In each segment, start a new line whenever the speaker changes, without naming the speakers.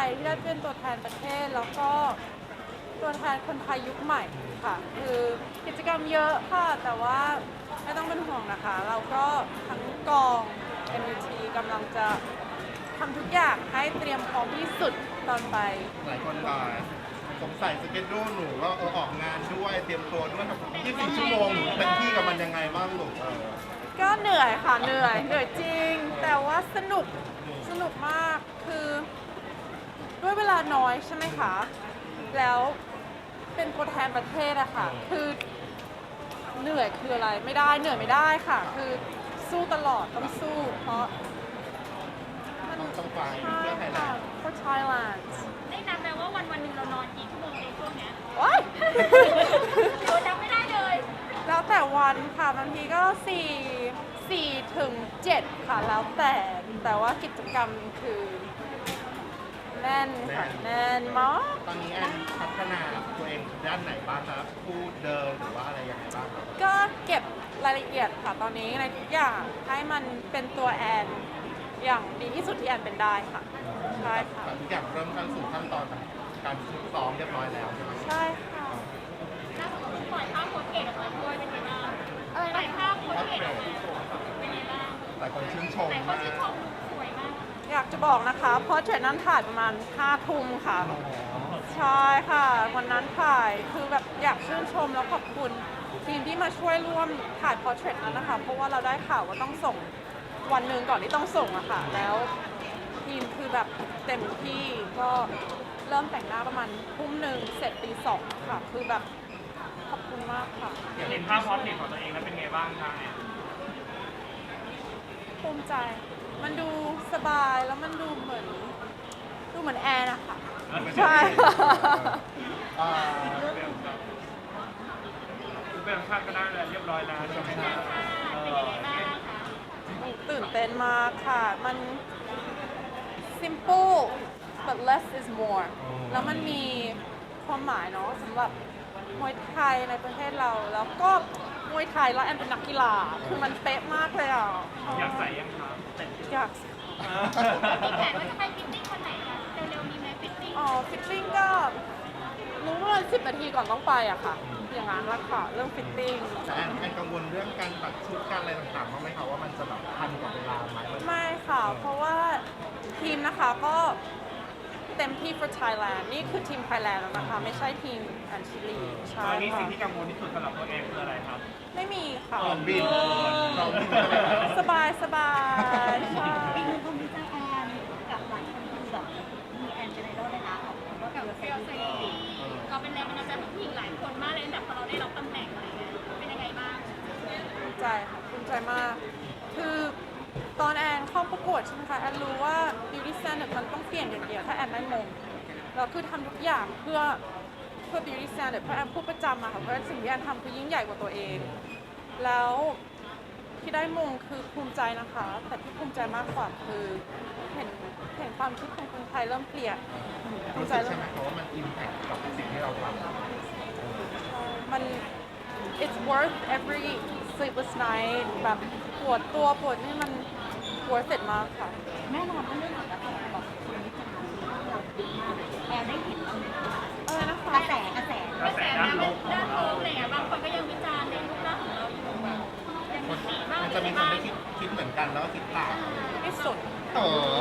ที่ได้เป็นตัวแทนประเทศแล้วก็ตัวแทนคนไทยยุคใหม่ค่ะคือกิจกรรมเยอะค่ะแต่ว่าไม่ต้องเป็นห่วงนะคะเราก็ทั้งกอง MUT กำลังจะทำทุกอย่างให้เตรียมพร้อมที่สุดตอนไป
หลายคนสงสัยสเกจดูหนูว่าออกงานด้วยเตรียมตัวด้วยแบบ24 ชั่วโมงหนูเป็นที่กับมันยังไงบ้างลูก
ก็เหนื่อยค่ะเหนื่อยจริงแต่ว่าสนุกมากคือด้วยเวลาน้อยใช่ไหมคะแล้วเป็นตัวแทนประเทศอะค่ะคือเหนื่อยคืออะไรไม่ได้เหนื่อยไม่ได้ค่ะคือสู้ตลอดต้องสู้เพราะมัน
ต้องไป
ใช่
เพื่อไทยแล
ค่ะ
นด์
for Thailand
ได้นับไหมว่าวันหนึ่งเรานอนกี่ชั่วโมงในช่วงเนี้ย
โอ๊ย
เราจำไม่ได้เลย
แล้วแต่วันค่ะบางทีก็4 ถึง 7ค่ะแล้วแต่ว่ากิจกรรมคือแน่นค่ะแน่นมาก
ตอนนี้แอนพัฒนาตัวเองด้านไหนบ้างครับพูดเดินหรือว่าอะไรยังไงบ้างครับ
ก็เก็บรายละเอียดค่ะตอนนี้ในทุกอย่างให้มันเป็นตัวแอนอย่างดีที่สุดที่แอนเป็นได้ค่ะใช่ค่ะ
ทุกอย่างเริ่มเข้าสู่ขั้นตอนการฝึกซ้อมเรียบร้อยแล้วใช่ไหม
ใช่ค่ะ
ล่าสุดก็ปล่อยภาพโค้ชเอกออกมาด้วยเป็นไงบ้าง
อะไร
ปล่อ
นะ
ยภาพโค้ชเอกออกมาเป็นไงบ้าง
หลายคนชื่นชม
แต่ก็
มาก
ชื่นชมสวยมาก
อยากจะบอกนะคะเพราะเทรดนั้นถ่ายประมาณ5 ทุ่มค่ะใช่ค่ะวันนั้นถ่ายคือแบบอยากชื่นชมแล้วขอบคุณทีมที่มาช่วยร่วมถ่ายพอร์เทรตนั้นนะคะเพราะว่าเราได้ข่าวว่าต้องส่งวันหนึ่งก่อนที่ต้องส่งอะค่ะแล้วทีมคือแบบเต็มที่ก็เริ่มแต่งหน้าประมาณ1 ทุ่มเสร็จตี 2ค่ะคือแบบขอบคุณมากค่ะ
เห็นภาพพอร์ตเทรตของตัวเองแล้วเป็นไงบ้างคะเนี่ย
ภูมิใจมันดูสบายแล้วมันดูเหมือนแอร์นะคะใช่
อ่า
คุณเป็นภาพก็ได้เลยเรียบร้อยแล้วใช่ไหมครับ
เป็นยังไงบ้างคะ
ตื่นเต้นมากค่ะ มัน simple but less is more แล้วมันมีความหมายเนาะสำหรับมวยไทยในประเทศเรา แล้วก็มวยไทยแล้วแอนเป็นนักกีฬา คือมันเป๊ะมากเลยอ่ะ
อยากใส่ยังครับ
อยาก
มีแผนว่าจะไปฟิตติ้งวันไหนคะเร็วๆนี้ไหมฟิตติ้ง
อ๋อฟิตติ้งก็รู้ว่า10 นาทีก่อนต้องไปอะค่ะ อย่างนั้นละค่ะ เรื่องฟิตติ้ง
แต่แอนกังวลเรื่องการตัดชุดการอะไรต่างๆบ้างไหมคะว่ามันจะแบบทันกับเวลาไหม
ไม่ค่ะ เพราะว่าทีมนะคะก็เต็มที่ for Thailand นี่คือทีม Thailand แล้วนะคะ ไม่ใช่ทีมอันชิลีใช่
ตอนนี้
ค่ะ
สิ่งที่กังวลที่สุดสำหรับตัวเองคืออะไรครับ
ไม่มีค่ะ
เราบิน
สบายใช่
อีกหนึ่งคนที่ใจแอนกับหลายคนคือแบบมีแอนเป็นไอดอลเลยนะของก็กับเซลซีเราเป็นแรงบันดาลใจของผู้หญิงหลายคนมากเลยตั้งแต่พอเราได้รับตำแหน่งอะไรเงี้ยเป็นยังไงบ้าง
ภูมิใจค่ะภูมิใจมาก คือตอนแอนเข้าประกวดใช่ไหมคะ แอนรู้ว่า beauty standard มันต้องเปลี่ยนอย่างเดียวถ้าแอนได้มงแล้วคือทำทุกอย่างเพื่อ beauty standard เพราะแอนพูดประจำอะค่ะ เพราะสิ่งที่แอนทำคือยิ่งใหญ่กว่าตัวเอง แล้วที่ได้มงคือภูมิใจนะคะ แต่ที่ภูมิใจมากกว่าคือเห็นความคิดของคนไทยเริ่มเปลี่ยนภู
รู้
มิใจ
สึก
เริ่
ใช่
ม
ไหมคะว่ามันอิมแพคกับสิ่งที่เราทำ
มัน it's worth every sleepless night แบบปวดตัวปวดนี่มัน worth it มากค่ะ
แน่นอนว่าเรื่องของการแบบคนวิจารณ์เราดีมากแอนได้เห็นบ้างไหมคะ
อะไรนะคะ
กระแสด้านลบอะไรอย่างเงี้ยบางคนก็ยังวิจารณ์ในรูปร่างของเราอยู่แบบยังมีบ้าง
มันจะมีคนได้คิดเหมือนกันแล้วก็คิดต่าง
ไม่สุด
โอ้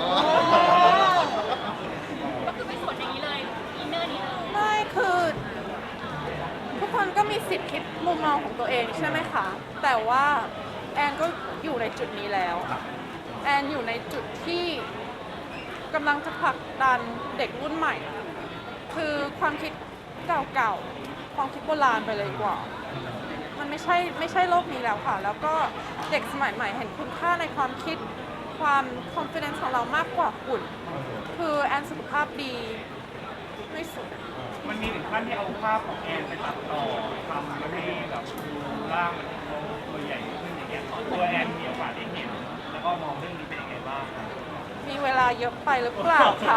ก็คือไม่สวนอย่างนี้เลยอินเนอร์นี้เลย
ไม่คือ ทุกคนก็มีสิทธิ์คิดมุมมองของตัวเองใช่ไหมคะ แต่ว่าแอนก็อยู่ในจุดนี้แล้ว แอนอยู่ในจุดที่กำลังจะผลักดันเด็กรุ่นใหม่ คือความคิดเก่าๆ ความคิดโบราณไปเลยดีกว่า มันไม่ใช่โลกนี้แล้วค่ะ แล้วก็เด็กสมัยใหม่เห็นคุณค่าในความคิดความ confidence ของเรามากกว่าหุ่น คือแอนสุขภาพดีไม่สุด
มันมีถึงขั้นที่เอาภาพของแอนไปตัดต่อทำให้แบบดูร่างมันตัวใหญ่ขึ้นอย่างเงี้ยตัวแอนมีโอกาสได้เห็นแล้วก็มองเรื่องนี้เป็นยังไงบ้างครับ
มีเวลาเยอะไปหรือเปล่าคะ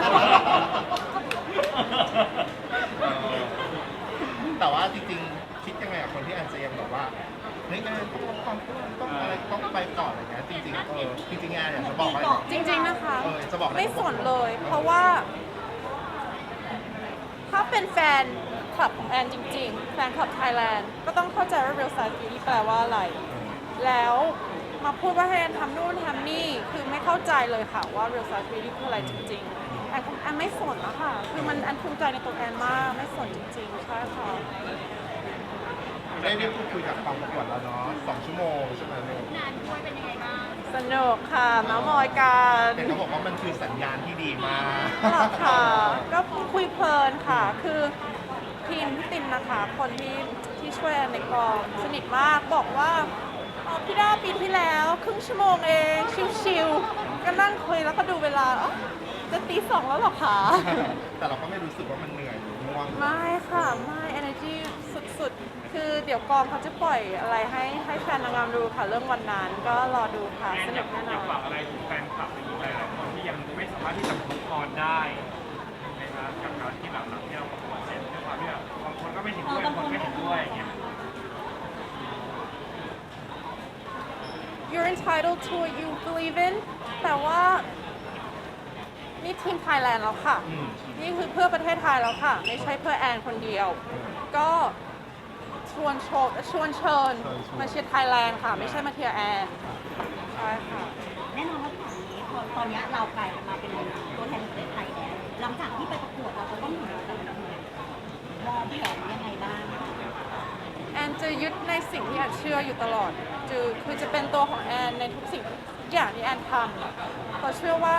แต่ว่าจริงๆ คิดยังไงกับคนที่แอนจะยังแบบว่าเฮ้ยแอนต้องลดความอ้วนต้องอะไรต้องไปก่อนอะไรเงี้ยจริงๆแอนอยากจะบอกว่า
จริงๆนะคะ
จะบอก
ไม่สนเลย เพราะว่าเป็นแฟนคลับของแอนจริงๆ แฟนคลับไทยแลนด์ก็ต้องเข้าใจว่า real size beauty แปลว่าอะไร แล้วมาพูดว่าให้แอนทำนู่นทำนี่ คือไม่เข้าใจเลยค่ะว่า real size beauty คืออะไรจริงๆ แอนไม่สนนะคะ คือแอนภูมิใจในตัวแอนมาก ไม่สนจริงๆ ใช่ค่ะ
ได้พูดคุยกับกองประกวดแล้วเนาะ2 ชั่วโมงใช่ไหมลูก
งานด้วยเป็นยังไงบ้าง
สนุกค่ะเมาส์มอยกัน
แต่เขาบอกว่ามันคือสัญญาณที่ดีมาก
หรอค่ะ ก็คุยเพลินค่ะ คือทีมพี่ตินนะคะ คนที่ช่วยแอนในกองสนิทมาก บอกว่าอ๋อพี่ด้าปีที่แล้วครึ่งชั่วโมงเอง ชิวๆก็นั่งคุยแล้วก็ดูเวลาอ๋อจะตี 2แล้วเหรอคะ
แต่เราก็ไม่รู้สึกว่ามันเหนื่อยหรือง่วง
ไม่ค่ะ ไม่ energy สุดๆ คือเดี๋ยวกองเขาจะปล่อยอะไรให้แฟนนางงามดูค่ะ เรื่องวันนั้นก็รอดูค่ะ
แอน
ส
อ
นุ
ยาก
กแน่น
อยา
อก น
ฝากอะไรถึงแฟนคลับหรือหลายๆคนที่ยังไม่สามารถที่จะมุกออนได้นะครับกับการที่หลังๆที่เราประกวดเสร็จด้วยความที่แบบบางคนก็ไม่เห็นด้วยบางคนไม่เห็นด้วยอย่างเงี้ย
You're entitled to what you believe in แต่ว่านี่ทีมไทยแลนด์แล้วค่ะ นี่คือเพื่อประเทศไทยแล้วค่ะ ไม่ใช่เพื่อแอนคนเดียว ก็ชวนเชิญมาเชียร์ไทยแลนด์ค่ะ ไม่ใช่มาเชียร์แอน ใช่ค่ะ
แน่นอนว่าที่นี้พอตอนนี้เรากลายมาเป็นตัวแทนประเทศไทยแล้วหลังจากที่ไปประกวดเราจะต้องอยู่กับมองแผนยังไงบ้าง
แอนจะยึดในสิ่งที่แอนเชื่ออยู่ตลอดคือจะเป็นตัวของแอนในทุกสิ่งทุกอย่างที่แอนทำเพราะเชื่อว่า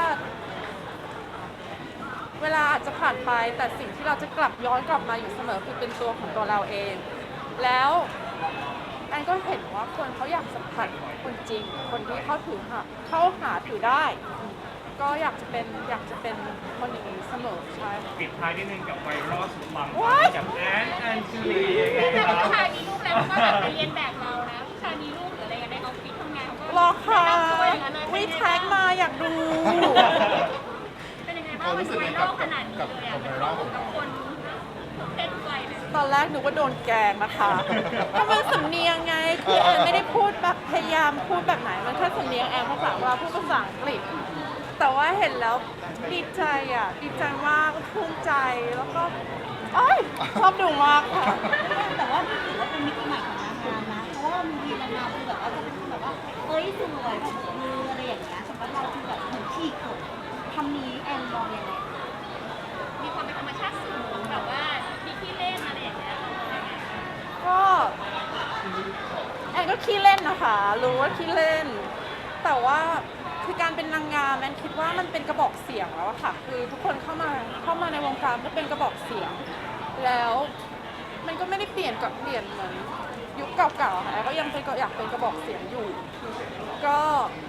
เวลาอาจจะผ่านไปแต่สิ่งที่เราจะย้อนกลับมาอยู่เสมอคือเป็นตัวของตัวเราเอง แล้วแอนก็เห็นว่าคนเขาอยากสัมผัสคนจริง คนที่เข้าหาถือได้ ก็อยากจะเป็นคนอย่างนี้เสมอใช่
ปิดท้ายนิดนึงกับไวรัลสุดปัง
What?
กับแอนจูลียังไง
แต่
ครับ
ผู้ชายมีลูกแล้วก็แบบไปเรียนแบบเรานะผู้ชายมีลูกหรืออะไรกันในออฟฟิศทำงานเขาก็
รอค่ะ
แนะนำตัวอย่างนั้นเลย
วิแท็กมาอยากดู
เป็นยังไงบ้างมันไวรัลขนาดนี้เลยอ่ะมันเข้ากับคนเพศวัยเลย
ตอนแรกหนูว่าโดนแกล้งนะคะก็มันสำเนียงไง คือแอนไม่ได้พูดแบบพยายามพูดแบบไหน มันแค่สำเนียงแอนภาษาว่าพูดภาษาอังกฤษ แต่ว่าเห็นแล้วดีใจอ่ะ ดีใจมากภูมิใจ แล้วก็โอ้ยชอบดูมากค่ะ
แต่ว่านี่ถือว่าเป็นมิติใหม่ของนางงามนะ เพราะว่าบางทีนางงามคือแบบว่าจะเป็นแบบว่าเอ้ยสวยแบบมืออะไรอย่างเงี้ยสำหรับเราคือแบบเหมือนฉีกกฎคำนี้แอนมองยังไงมีความเป็นธรรมชาติสูงแบบว่ามีที่เล่นอะไรอย่างเงี้ย
ก็แอนก็ขี้เล่นนะคะ รู้ว่าขี้เล่น แต่ว่าคือการเป็นนางงามแอนคิดว่ามันเป็นกระบอกเสียงแล้วอะค่ะ คือทุกคนเข้ามาในวงการก็เป็นกระบอกเสียง แล้วมันก็ไม่ได้เปลี่ยนเหมือนยุคเก่าๆค่ะแอนก็ยังอยากเป็นกระบอกเสียงอยู่ ก็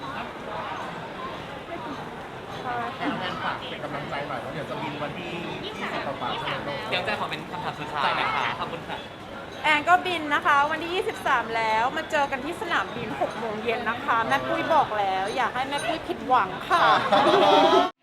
ใช่ค่ะ
แอนฝากเป็นกำลังใจหน่อยว่าเดี๋ยวจะบินวันที่20ต่อไปใช่ไหมลูก
เดี๋ยวใจขอเป็นคำถามสุดท้ายนะคะ ขอบคุณค่ะ
แอนก็บินนะคะวันที่ 23 แล้วมาเจอกันที่สนามบิน 6 โมงเย็นนะคะ แม่ปุ้ยบอกแล้ว อยากให้แม่ปุ้ยผิดหวังค่ะ